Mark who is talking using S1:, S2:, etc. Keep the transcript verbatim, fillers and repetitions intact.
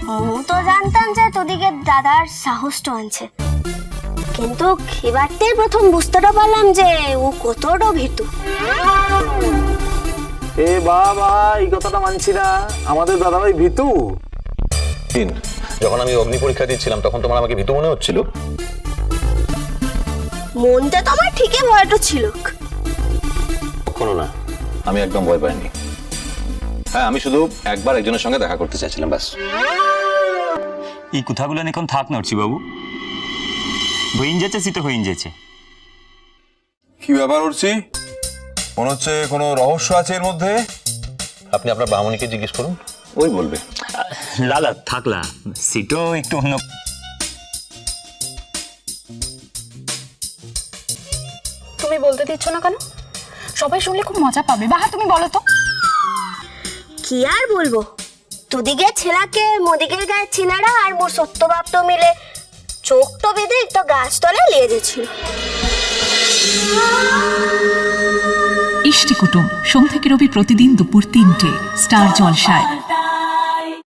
S1: মু তো জানতাম যে তোদিকে দাদার সাহসটা আনছে, কিন্তু এবারতে প্রথম বুঝতেটা পারলাম যে ও কতটা ভীতু।
S2: এ বাবা, এই কথাটা মানছি না, আমাদের দাদা ভাই ভীতু।
S3: যখন আমি অগ্নি পরীক্ষা দিচ্ছিলাম তখন তোমার আমাকে ভীতু মনে হচ্ছিল?
S1: মনটা তো আমার ঠিকই ভয়টা ছিল।
S3: কখনো না, আমি একদম ভয় পাইনি। হ্যাঁ, আমি শুধু একবার একজনের সঙ্গে দেখা করতে চাইছিলাম, ব্যাস।
S4: এই কথাগুলো এখন থাক নড়ছি বাবু, হইন যেছে শীত হইন যেছে।
S5: কি ব্যাপার উঠছি? মনে হচ্ছে কোনো রহস্য আছে এর মধ্যে।
S3: আপনি আপনার বামনিকে জিজ্ঞেস করুন, ওই বলবে।
S4: লালা থাকলা, সিটও একটু অন্য।
S6: তুমি বলতে দিচ্ছ না কেন? সবাই শুনলে খুব মজা পাবে। বাহা, তুমি বলো তো।
S1: কি আর বলবো, তোদিকে ছেলাকে মোদিকের গায়ে ছিলারা আর মোর সত্যবাপ তো মিলে চোখটো বেঁধে একটা গাছতলায় লিয়ে গেছিল।
S7: ইষ্টি কুটুম সোম থেকে রবি প্রতিদিন দুপুর তিনটে স্টার জলসায়।